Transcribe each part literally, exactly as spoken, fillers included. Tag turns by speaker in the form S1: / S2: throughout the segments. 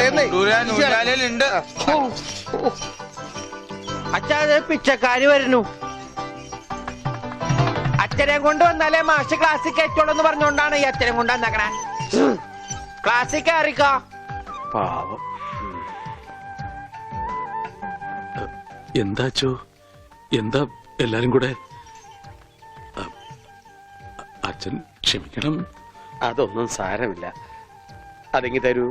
S1: അച്ഛാ പിച്ചക്കാര് വരുന്നു. അച്ഛനെ കൊണ്ട് വന്നാലേ മാഷ് ക്ലാസ്സിൽ കയറ്റുള്ളൂ എന്ന് പറഞ്ഞുകൊണ്ടാണ് ഈ അച്ഛനെ കൊണ്ട് വന്നേക്കണേ. ക്ലാസ്സിൽ കയറിക്കോ.
S2: പാവം. എന്താച്ചോ എന്താ എല്ലാരും കൂടെ? അച്ഛൻ ക്ഷമിക്കണം.
S3: അതൊന്നും സാരമില്ല. അതെങ്കി തരൂ.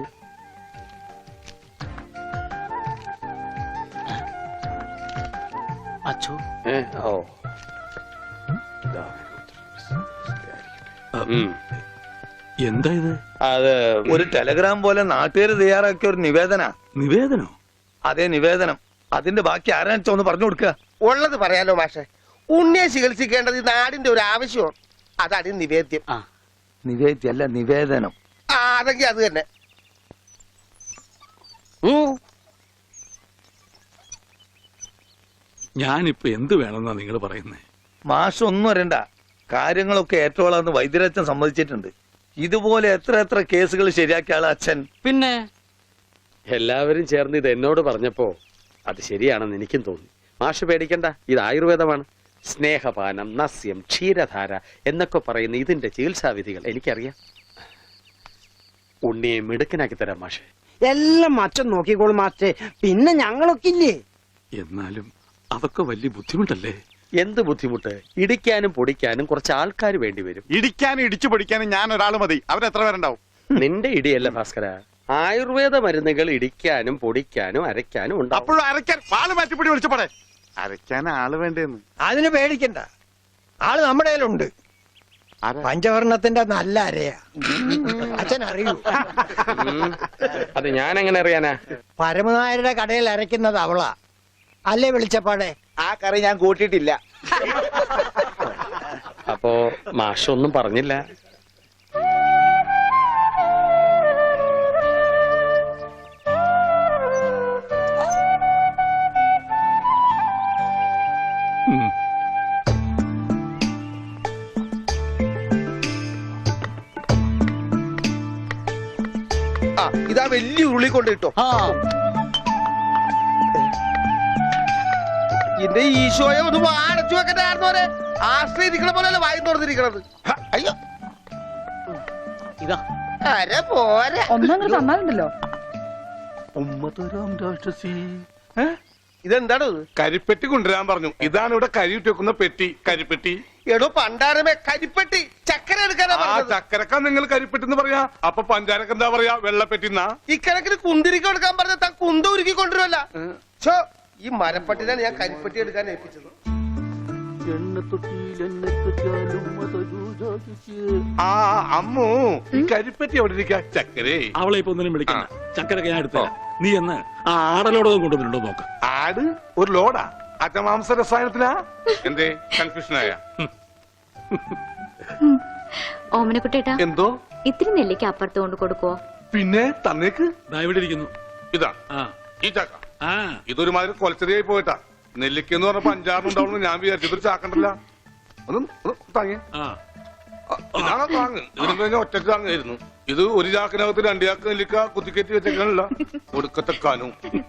S2: അച്ഛോ
S3: ഏ ഓ
S2: എന്താ ഇത്?
S4: അത് ഒരു ടെലഗ്രാം പോലെ നാട്ടുകാര് തയ്യാറാക്കിയ ഒരു നിവേദന.
S2: നിവേദനോ?
S4: അതെ, നിവേദനം. അതിന്റെ ബാക്കി ആരാണെന്ന് ഒന്ന് പറഞ്ഞു കൊടുക്കുക.
S1: ഉള്ളത് പറയാലോ മാഷെ. ഉണ്ണിയെ ചികിത്സിക്കേണ്ടത് ഈ നാടിന്റെ ഒരു ആവശ്യമാണ്. അതാണ് നിവേദ്യം.
S4: നിവേദ്യല്ല, നിവേദനം.
S1: ആ അതെങ്കിൽ അത് തന്നെ.
S2: ഞാനിപ്പോ എന്ത് വേണമെന്നാ നിങ്ങൾ പറയുന്നേ?
S4: മാഷം ഒന്നും അറിയണ്ട. കാര്യങ്ങളൊക്കെ ഏറ്റോളാന്ന് വൈദ്യരച്ഛൻ സമ്മതിച്ചിട്ടുണ്ട്. ഇതുപോലെ എത്ര എത്ര കേസുകൾ ശരിയാക്കിയ ആള് അച്ഛൻ.
S3: പിന്നെ എല്ലാവരും ചേർന്ന് ഇത് എന്നോട് പറഞ്ഞപ്പോ അത് ശരിയാണെന്ന് എനിക്കും തോന്നി. മാഷ് പേടിക്കണ്ട, ഇത് ആയുർവേദമാണ്. സ്നേഹപാനം, നസ്യം, ക്ഷീരധാര എന്നൊക്കെ പറയുന്ന ഇതിന്റെ ചികിത്സാവിധികൾ എനിക്കറിയാം. ഉണ്ണിയെ മിടുക്കനാക്കി തരാം മാഷെ.
S1: എല്ലാം അച്ഛൻ നോക്കിക്കോളും മാസ്റ്റേ. പിന്നെ ഞങ്ങളൊക്കെ ഇല്ലേ?
S2: എന്നാലും അതൊക്കെ വലിയ ബുദ്ധിമുട്ടല്ലേ?
S3: എന്ത് ബുദ്ധിമുട്ട്? ഇടിക്കാനും പൊടിക്കാനും കുറച്ച് ആൾക്കാർ വേണ്ടി വരും.
S5: ഇടിക്കാനും ഇടിച്ചു പൊടിക്കാനും ഞാൻ ഒരാൾ മതി. അവരെത്ര പേരുണ്ടാവും?
S3: നിന്റെ ഇടിയല്ല ഭാസ്കര, ആയുർവേദ മരുന്നുകൾ ഇടിക്കാനും പൊടിക്കാനും അരയ്ക്കാനും ഉണ്ടാവും.
S5: അപ്പോഴും അരയ്ക്കാൻ പാല് മാറ്റിപ്പിടി വിളിച്ചപ്പോടെ. അരയ്ക്കാൻ ആള് വേണ്ടേന്ന്.
S1: അതിന് പേടിക്കണ്ട, ആള് നമ്മുടെ കയ്യിലുണ്ട്. പഞ്ചവർണത്തിന്റെ നല്ല അരയാ. അച്ഛൻ അറിയൂ?
S3: അത് ഞാൻ എങ്ങനെ അറിയാനാ?
S1: പരമനായരുടെ കടയിൽ അരയ്ക്കുന്നത് അവളാ. അല്ലേ വിളിച്ചപ്പാടെ?
S5: ആ കറി ഞാൻ കൂട്ടിയിട്ടില്ല.
S3: അപ്പോ മാഷൊന്നും പറഞ്ഞില്ല.
S1: ആ ഇതാ വലിയ ഉരുളി കൊണ്ട് കിട്ടോ. എന്റെ ഈശോയെ ഒന്ന് അടച്ചു വെക്കണ്ടായിരുന്നോരെ. ആശ്രയിരിക്കണ പോലെയല്ല വായി തുറന്നിരിക്കണത്. അയ്യോ
S6: ഇതാ
S1: അര പോരെ.
S6: ഒന്നങ്ങ് തന്നാലുണ്ടല്ലോ.
S1: ഇതെന്താണ്?
S5: കരിപ്പെട്ടി കൊണ്ടുവരാൻ പറഞ്ഞു. ഇതാണ് ഇവിടെ കരി ഇട്ട് വെക്കുന്ന പെട്ടി. കരിപ്പെട്ടി.
S1: എടോ പണ്ടാരമേ, കരിപ്പെട്ടി. ചക്കര എടുക്കാനാ
S5: ആ ചക്കരക്ക നിങ്ങൾ കരിപ്പെട്ടി എന്ന് പറയാ. അപ്പൊ പഞ്ചാരക്ക് എന്താ പറയാ? വെള്ളപ്പെട്ടി.
S1: ഇക്കണക്കിന് കുന്തിരിക്ക എടുക്കാൻ പറഞ്ഞ താൻ കുന്ത ഉരുക്കി കൊണ്ടുവരുമല്ല. ഛോ, ഈ മരപ്പട്ടിനാണ് ഞാൻ കരിപ്പെട്ടി എടുക്കാൻ ഏൽപ്പിച്ചത്.
S5: ആ അമ്മു, ഈ കരിപ്പെട്ടി എവിടെ ഇരിക്കാ? ചക്കരേ,
S2: അവളെ ഇപ്പൊ ഒന്നിനും വിളിക്കണ്ട. ചക്കരൊക്കെ ഞാൻ എടുത്ത നീ എന്ന് ആ ആടലോടകം കൊണ്ടുവന്നിട്ടുണ്ടോ നോക്ക്.
S5: ആട് ഒരു ലോഡാ? അജമാംസ രസായനത്തിനാ? എന്തേ കൺഫ്യൂഷനായ?
S7: ഓമനക്കുട്ടേട്ടാ,
S5: എന്തോ
S7: ഇത്തിരി നെല്ലിക്ക് അപ്പുറത്ത് കൊണ്ട് കൊടുക്കുവോ?
S5: പിന്നെ തന്നേക്ക്.
S2: ഇവിടെ ഇരിക്കുന്നു.
S5: ഇതാ ഈ ചക്ക. ഇതൊരുമാതിരി കൊലച്ചെറിയായി പോയിട്ടാ. നെല്ലിക്കെന്ന് പറഞ്ഞപ്പോ അഞ്ചാറുണ്ടാവുന്നു ഞാൻ വിചാരിച്ചു. ഇതൊരു ചാക്കണ്ടല്ല. ഒന്ന് താങ്ങി. ഇതാണ് താങ്ങ്. ഇതിന് കഴിഞ്ഞാൽ ഒറ്റക്ക് താങ്ങായിരുന്നു. ഇത് ഒരു ചാക്കിനകത്ത് രണ്ടു ചാക്ക് നെല്ലിക്ക കുത്തിക്കയറ്റി വെച്ചേക്കാനല്ല. ഒടുക്കത്തെ കാനും.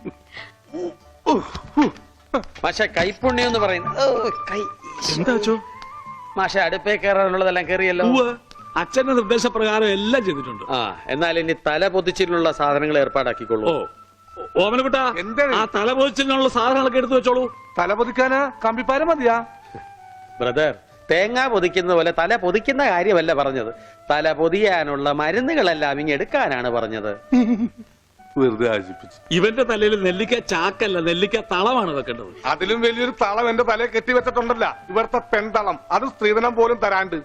S3: മാഷെ കൈപ്പുണ്യം എന്ന് പറയുന്നത്
S2: എന്താ?
S3: മാഷ അടുപ്പേ കയറാനുള്ളതെല്ലാം കയറിയല്ലോ.
S2: അച്ഛന്റെ നിർദ്ദേശപ്രകാരം എല്ലാം ചെയ്തിട്ടുണ്ട്.
S3: ആ എന്നാൽ ഇനി തല പൊതിച്ചിട്ടുള്ള സാധനങ്ങൾ ഏർപ്പാടാക്കിക്കൊള്ളൂ.
S2: ഓമനക്കുട്ട, ആ തല പൊതിച്ചിനുള്ള സാധനങ്ങളൊക്കെ എടുത്തു വെച്ചോളൂ.
S5: തല പൊതിക്കാന് കമ്പിപ്പാരം മതിയാ?
S3: ബ്രദർ, തേങ്ങ പൊതിക്കുന്ന പോലെ തല പൊതിക്കുന്ന കാര്യമല്ല പറഞ്ഞത്. തല പൊതിയാനുള്ള മരുന്നുകളെല്ലാം ഇങ്ങ് എടുക്കാനാണ് പറഞ്ഞത്.
S5: വെറുതെ ആശിപ്പിച്ചു.
S2: ഇവന്റെ തലയിൽ നെല്ലിക്ക ചാക്കല്ല, നെല്ലിക്ക തളമാണ് വെക്കേണ്ടത്.
S5: അതിലും വലിയൊരു തളം എന്റെ തലയിൽ കെട്ടിവെച്ചിട്ടുണ്ടല്ല. ഇവിടുത്തെ പെൺതളം. അത് സ്ത്രീധനം പോലും തരാണ്ട്.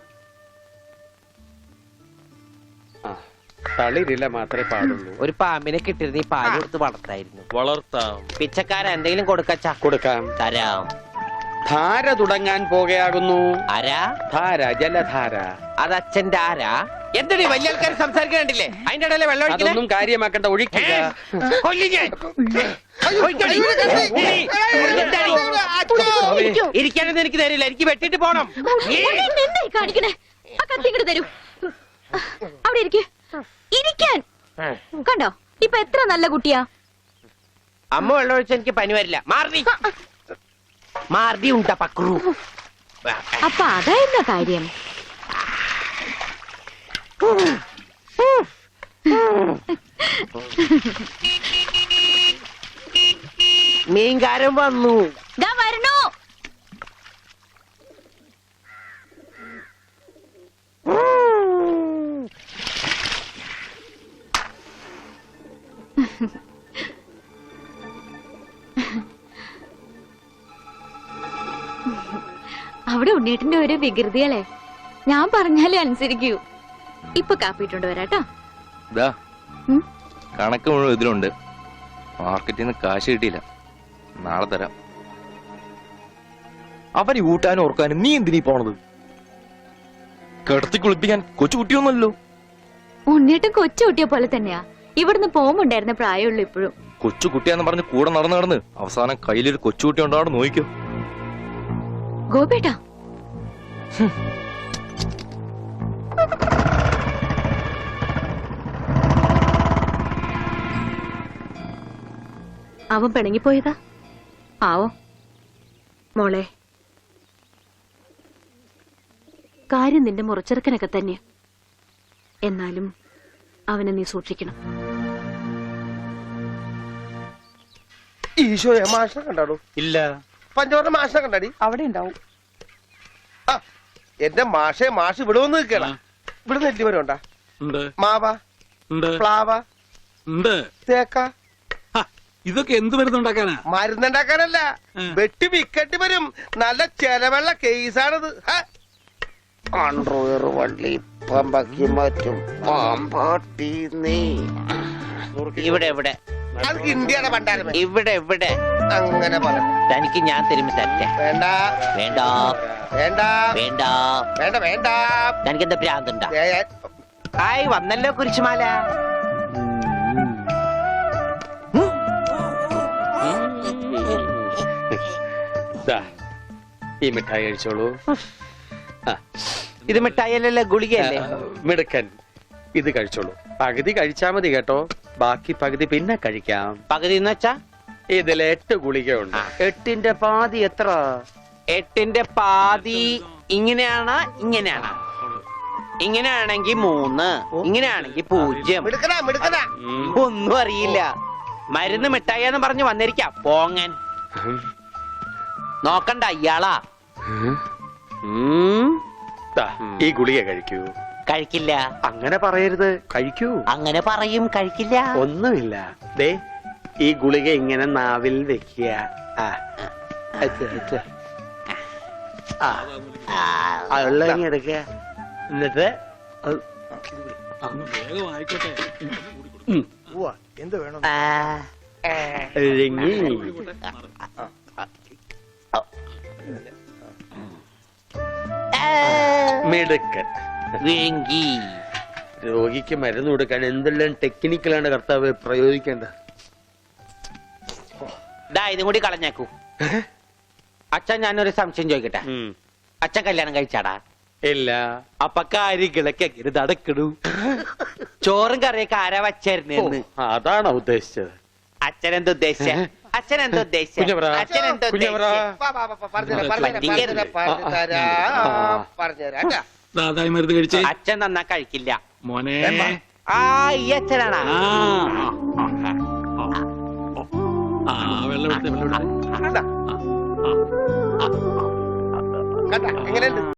S3: തളിരില്ല മാത്രമേ പാടുള്ളൂ.
S1: ഒരു പാമ്പിനെ കിട്ടിയിരുന്ന ഈ പാല് കൊടുത്ത് വളർത്തായിരുന്നു.
S3: വളർത്താം.
S1: പിച്ചക്കാര എന്തെങ്കിലും കൊടുക്കച്ചാ?
S3: കൊടുക്കാം.
S1: തരാം.
S3: ധാര തുടങ്ങാൻ പോകുകയാകുന്നു.
S1: ആരാ?
S3: ധാര, ജലധാര.
S1: അത് അച്ഛന്റെ ആരാ? എന്തൊരു വലിയ ആൾക്കാർ സംസാരിക്കണ്ടില്ലേ? അതിന്റെ ഇടയിലെ വെള്ളം
S3: അതൊന്നും കാര്യമാക്കണ്ട, ഒഴിക്കുക.
S1: ഇരിക്കാനൊന്നും എനിക്ക് തരില്ല. എനിക്ക് വെട്ടിട്ട് പോണം.
S7: കാണിക്കണേ, ആ കത്തി ഇങ്ങോട്ട് തരൂ. അവിടെ ഇരിക്കേ. ഇരിക്കാൻ കണ്ടോ, ഇപ്പൊ എത്ര നല്ല കുട്ടിയാ.
S6: അമ്മ വെള്ളം ഒഴിച്ച എനിക്ക് പനി വരില്ല. മാർദി മാർദി ഉണ്ടാ പക്രു.
S7: അപ്പൊ അതായിരുന്ന കാര്യം.
S6: മീൻകാരൻ വന്നു.
S7: ദാ വരണു. അവിടെ ഉണ്ണീട്ടിന്റെ ഒരു വികൃതികളെ ഞാൻ പറഞ്ഞാലേ അനുസരിക്കൂ. ഇപ്പൊ കാപ്പിട്ടുണ്ട് വരാട്ടോ.
S8: ദാ
S7: ഉം?
S8: കണക്ക് മുഴുവൻ ഇതിലുണ്ട്. മാർക്കറ്റിൽ നിന്ന് കാശ് കിട്ടിയില്ല, നാളെ തരാം. അവന് ഊട്ടാനും ഓർക്കാനും നീ എന്തിനീ പോണത്? കിടത്തി കുളിപ്പിക്കാൻ കൊച്ചു കുട്ടിയൊന്നുമല്ലോ.
S7: ഉണ്ണീട്ടും കൊച്ചു കുട്ടിയെ പോലെ തന്നെയാ. ഇവിടുന്ന് പോകുമ്പോണ്ടായിരുന്ന പ്രായമുള്ളൂ ഇപ്പോഴും.
S8: കൊച്ചു കുട്ടിയാന്ന് പറഞ്ഞ് കൂടെ നടന്ന് നടന്ന് അവസാനം കയ്യിലൊരു കൊച്ചുകുട്ടി ഉണ്ടാവും. നോക്കിക്കോ.
S7: ഗോപേട്ടാ, അവൻ പിണങ്ങിപ്പോയതാ. ആവോ മോളെ, കാര്യം നിന്റെ മുറച്ചെറുക്കനൊക്കെ തന്നെ. എന്നാലും അവനെ നീ സൂക്ഷിക്കണം.
S1: ഈശോയെ മാഷിനെ കണ്ടാടോ?
S4: ഇല്ല,
S1: പഞ്ചവർണ്ണ മാഷിനെ കണ്ടാടി?
S6: അവിടെ ഉണ്ടാവും.
S1: ആ എന്റെ മാഷെ, മാഷ് ഇവിടെ വന്ന് നിൽക്കണ. ഇവിടെ നെല്ലി വരെ ഉണ്ടാ?
S2: ഉണ്ട്
S1: മാവ,
S2: ഉണ്ട്
S1: പ്ലാവ,
S2: ഉണ്ട്.
S1: തേക്ക.
S2: ഹ, ഇതൊക്കെ എന്ത് മരുന്നുണ്ടാക്കാനാ?
S1: മരുന്നുണ്ടാക്കാനല്ല,
S2: ഉം.
S1: വെട്ടി വിക്കട്ടി വരും. നല്ല ചെലവുള്ള കേസാണിത്.
S6: അണ്ടർവെയർ വള്ളി പമ്പക്കി മാറ്റും പാമ്പാട്ടി നീ. ഇവിടെ ഇവിടെ
S1: അത് ഇന്ത്യയുടെ പണ്ടാരമേ.
S6: ഇവിടെ ഇവിടെ
S1: അങ്ങനെ പറ.
S6: തനിക്ക് ഞാൻ തരുമ്പോ തറ്റ.
S1: വേണ്ട
S6: വേണ്ട
S1: വേണ്ട
S6: വേണ്ട
S1: വേണ്ട വേണ്ട.
S6: തനിക്ക് എന്താ ഭ്രാന്തുണ്ടാ?
S1: ഏ, ഏ,
S6: ഹായ് വന്നല്ലോ കുരിശുമാല.
S3: ദാ, ഈ മിഠായി കഴിച്ചോളൂ. ആ,
S6: ഇത് മിഠായിയല്ലല്ലോ, ഗുളികയല്ലേ?
S3: മിടുക്കൻ. ഇത് കഴിച്ചോളൂ. പകുതി കഴിച്ചാ മതി കേട്ടോ, ബാക്കി പകുതി പിന്നെ കഴിക്കാം.
S6: പകുതി എന്ന് വെച്ചാ
S3: ഇതിൽ എട്ട് ഗുളികയുണ്ട്. എട്ടിന്റെ പാതി എത്ര?
S6: എട്ടിന്റെ പാതി ഇങ്ങനെയാണ്, ഇങ്ങനെയാണ്. ഇങ്ങനെയാണെങ്കി മൂന്ന്, ഇങ്ങനെയാണെങ്കി പൂജ്യം.
S1: മിടുക്കനാ മിടുക്കനാ.
S3: ഉം.
S6: ഒന്നും അറിയില്ല. മരുന്ന് മിഠായിന്ന് പറഞ്ഞു വന്നിരിക്കാം പോങ്ങൻ. നോക്കണ്ട ഇയാളാ.
S3: ഉം. ദാ, ഈ ഗുളിക കഴിക്കൂ.
S6: കഴിക്കില്ല.
S3: അങ്ങനെ പറയരുത്, കഴിക്കൂ.
S6: അങ്ങനെ പറയും, കഴിക്കില്ല.
S3: ഒന്നുമില്ല. ദേ, ഈ ഗുളിക ഇങ്ങനെ നാവിൽ വെക്കുക. ആ, അത്, അത്. ആ, ആ, ഉള്ള ഇങ്ങ് എടുക്കുക. എന്നിട്ട് അത്
S2: ഒന്ന് വേഗം ആയിക്കോട്ടെ.
S3: ഉം.
S1: എന്ത് വേണം?
S6: ആ,
S3: ഇറങ്ങി. മിടുക്കൻ.
S6: വേങ്കി.
S3: രോഗിക്ക് മരുന്ന് കൊടുക്കാൻ എന്തെല്ലാം ടെക്നിക്കലാണ് കർത്താവ് പ്രയോഗിക്കേണ്ടത്.
S6: ദാ ഇതും കൂടി കളഞ്ഞേക്കൂ. അച്ഛൻ ഞാനൊരു സംശയം ചോദിക്കട്ടെ.
S3: ഉം.
S6: അച്ഛൻ കല്യാണം കഴിച്ചാടാ?
S3: ഇല്ല.
S6: അപ്പൊ കാര്യങ്ങളൊക്കെ എങ്ങനെ നടക്കണു? ചോറും കറിയൊക്കെ ആരാ വച്ചായിരുന്നെന്ന്
S3: ഓ, അതാണോ ഉദ്ദേശിച്ചത്?
S6: അച്ഛൻ എന്താ ഉദ്ദേശിച്ച? അച്ഛൻ എന്താ ഉദ്ദേശിച്ച?
S3: കുഞ്ഞവരാ,
S6: അച്ഛൻ എന്താ
S3: കുഞ്ഞവരാ.
S6: ഉദ്ദേശിച്ച?
S1: വാ, വാ, വാ, വാ, പറഞ്ഞുതരാം, പറഞ്ഞുതരാം,
S6: പറ്റിക്കരുത്.
S1: പറഞ്ഞുതരാം, പറഞ്ഞുതരാം, പറഞ്ഞുതരാം കേട്ടാ.
S2: ദാതായി മരുന്ന് കഴിച്ചേ
S6: അച്ഛൻ നന്നാ കഴിക്കില്ല.
S2: മോനെ.
S6: ആ ഈ അച്ഛനാണാ?
S2: ആ, ആ, ആ, ആ, വെള്ളം എടുത്തേ, വെള്ളം എടുത്തേ.
S1: കണ്ടാ?
S2: ആ, ആ, ആ.
S1: കണ്ടാ എങ്ങനെയുണ്ട്?